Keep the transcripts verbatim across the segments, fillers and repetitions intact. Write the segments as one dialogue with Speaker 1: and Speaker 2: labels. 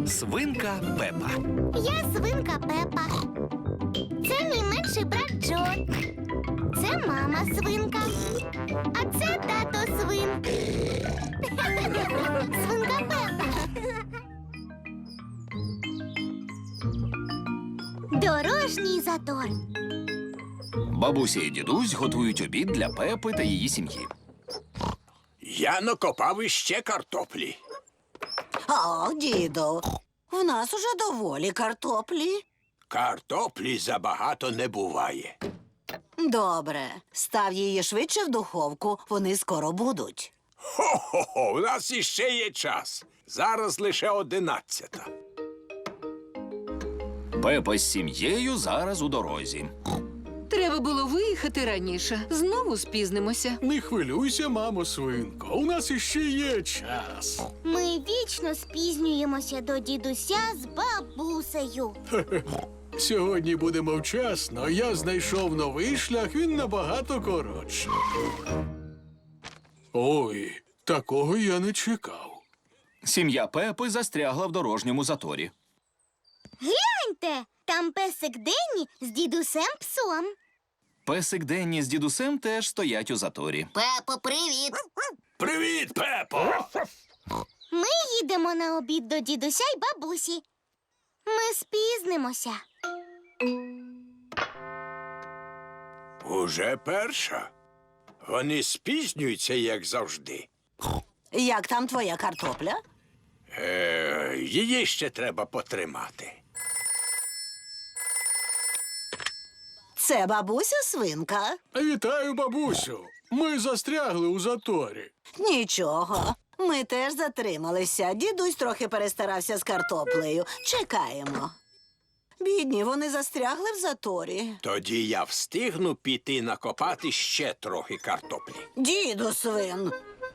Speaker 1: Свинка Пепа.
Speaker 2: Я свинка Пепа. Це мій менший брат Джо. Це мама свинка. А це тато свин. Свинка Пепа. Дорожній затор.
Speaker 1: Бабуся і дідусь готують обід для Пепи та її сім'ї.
Speaker 3: Я накопав іще картоплі.
Speaker 4: О, діду, в нас уже доволі картоплі.
Speaker 3: Картоплі забагато не буває.
Speaker 4: Добре, став її швидше в духовку, вони скоро будуть.
Speaker 3: Хо-хо-хо, у нас іще є час. Зараз лише одинадцята.
Speaker 1: Пепа з сім'єю зараз у дорозі.
Speaker 5: Треба було виїхати раніше. Знову спізнимося.
Speaker 6: Не хвилюйся, мамо свинко, у нас іще є час.
Speaker 2: Ми вічно спізнюємося до дідуся з бабусею.
Speaker 6: Сьогодні будемо вчасно, я знайшов новий шлях, він набагато коротший. Ой, такого я не чекав.
Speaker 1: Сім'я Пепи застрягла в дорожньому заторі.
Speaker 2: Гляньте, там песик Денні з дідусем псом.
Speaker 1: Песик Денні з дідусем теж стоять у заторі.
Speaker 2: Пепо, привіт!
Speaker 3: Привіт, Пепо!
Speaker 2: Ми їдемо на обід до дідуся й бабусі. Ми спізнимося.
Speaker 3: Уже перша. Вони спізнюються, як завжди.
Speaker 4: Як там твоя картопля?
Speaker 3: Е, її ще треба потримати.
Speaker 4: Це бабуся свинка.
Speaker 6: Вітаю, бабусю. Ми застрягли у заторі.
Speaker 4: Нічого, ми теж затрималися. Дідусь трохи перестарався з картоплею. Чекаємо. Бідні, вони застрягли в заторі.
Speaker 3: Тоді я встигну піти накопати ще трохи картоплі.
Speaker 4: Діду свин.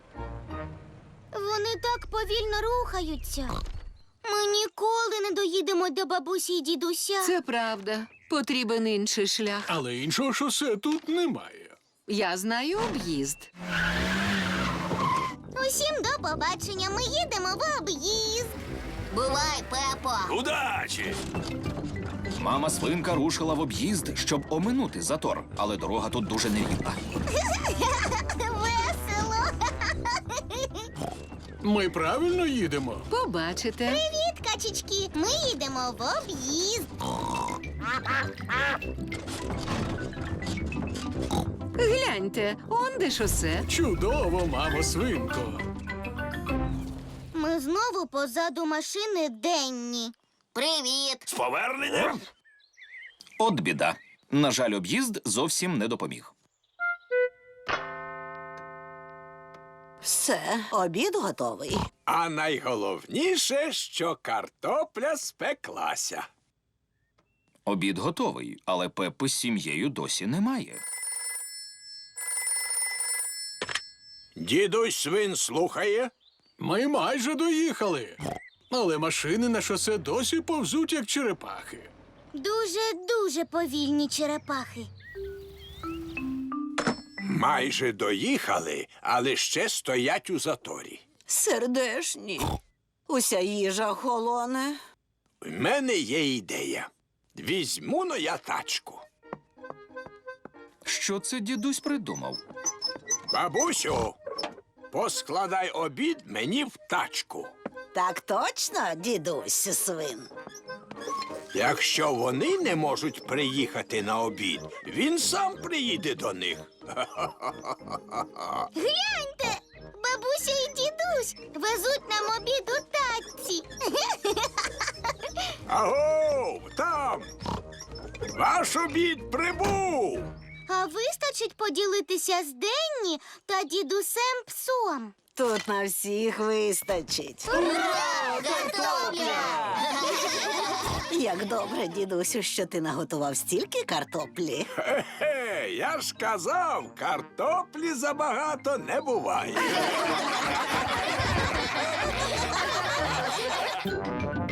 Speaker 2: Вони так повільно рухаються. Ми ніколи не доїдемо до бабусі й дідуся.
Speaker 5: Це правда. Потрібен інший шлях.
Speaker 6: Але іншого шосе тут немає.
Speaker 5: Я знаю об'їзд.
Speaker 2: Усім до побачення. Ми їдемо в об'їзд. Бувай, Пепо.
Speaker 3: Удачі!
Speaker 1: Мама свинка рушила в об'їзд, щоб оминути затор, але дорога тут дуже нерівна.
Speaker 2: Весело.
Speaker 6: Ми правильно їдемо?
Speaker 5: Побачите.
Speaker 2: Привіт, качечки. Ми їдемо в об'їзд.
Speaker 5: Гляньте, он де шосе.
Speaker 6: Чудово, мамо свинко.
Speaker 2: Ми знову позаду машини Денні. Привіт.
Speaker 3: З поверненням!
Speaker 1: От біда. На жаль, об'їзд зовсім не допоміг.
Speaker 4: Все, обід готовий.
Speaker 3: А найголовніше, що картопля спеклася.
Speaker 1: Обід готовий, але Пепи з сім'єю досі немає.
Speaker 3: Дідусь свин слухає.
Speaker 6: Ми майже доїхали. Але машини на шосе досі повзуть, як черепахи.
Speaker 2: Дуже-дуже повільні черепахи.
Speaker 3: Майже доїхали, але ще стоять у заторі.
Speaker 4: Сердешні. Уся їжа холоне.
Speaker 3: У мене є ідея. Візьму-но я тачку.
Speaker 1: Що це дідусь придумав?
Speaker 3: Бабусю, поскладай обід мені в тачку.
Speaker 4: Так точно, дідусь свин.
Speaker 3: Якщо вони не можуть приїхати на обід, він сам приїде до них.
Speaker 2: Гляньте, бабуся і дідусь везуть нам обід у тачці.
Speaker 3: Агов, там! Ваш обід прибув!
Speaker 2: А вистачить поділитися з Денні та дідусем псом.
Speaker 4: Тут на всіх вистачить.
Speaker 2: Ура! Картопля!
Speaker 4: Як добре, дідусю, що ти наготував стільки картоплі.
Speaker 3: Хе-хе, я ж казав, картоплі забагато не буває.